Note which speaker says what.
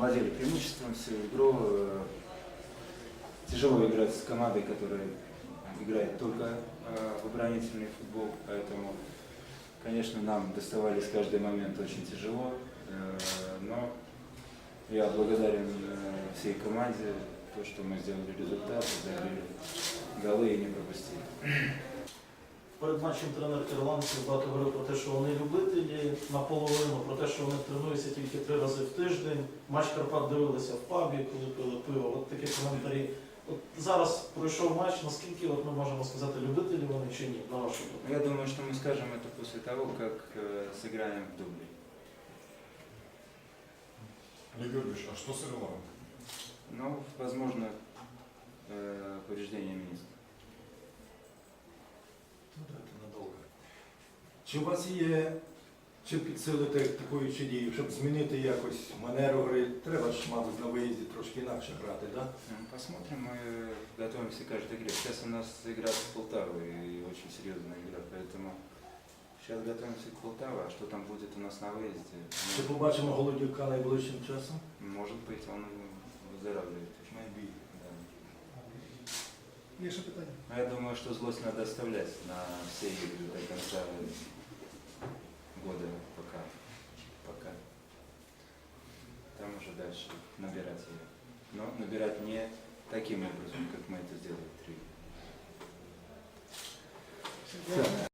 Speaker 1: владели преимуществом всю игру. Тяжело играть с командой, которая играет только в оборонительный футбол, поэтому, конечно, нам доставались каждый момент очень тяжело, но я благодарен всей команде, то, что мы сделали результат, забили голы и не пропустили.
Speaker 2: Перед матчем тренер ірландців багато говорив про те, що вони любителі наполовину, про те, що вони тренуються тільки 3 рази в тиждень. Матч Карпат дивилися в пабі, коли пили пиво. От такі коментарі. От зараз пройшов матч, наскільки ми можемо сказати, любителі вони чи ні, на вашу думку?
Speaker 1: Я думаю, что мы скажем это после того, как сыграем в дубле.
Speaker 3: Олег Георгиевич, а что с Ирландом?
Speaker 1: Ну, возможно, повреждение министра.
Speaker 4: Ну так, це надовго. Чи у вас є, чи підсилити такою чи дією, щоб змінити якось манеру гри? Треба ж, мабуть, на виїзді трошки інакше грати, так? Да?
Speaker 1: Посмотрим, мы готовимся к каждой игре. Сейчас у нас игра с Полтавой, и очень серьезная игра, поэтому сейчас готовимся к Полтаве, а что там будет у нас на выезде?
Speaker 4: Чи побачимо Голодюка найближчим часом?
Speaker 1: Может быть, он выздоравливает.
Speaker 4: Maybe.
Speaker 1: Да.
Speaker 3: Є ще питання?
Speaker 1: Но я думаю, что злость надо оставлять на все игры до конца года пока. Там уже дальше набирать ее. Но набирать не таким образом, как мы это сделали 3.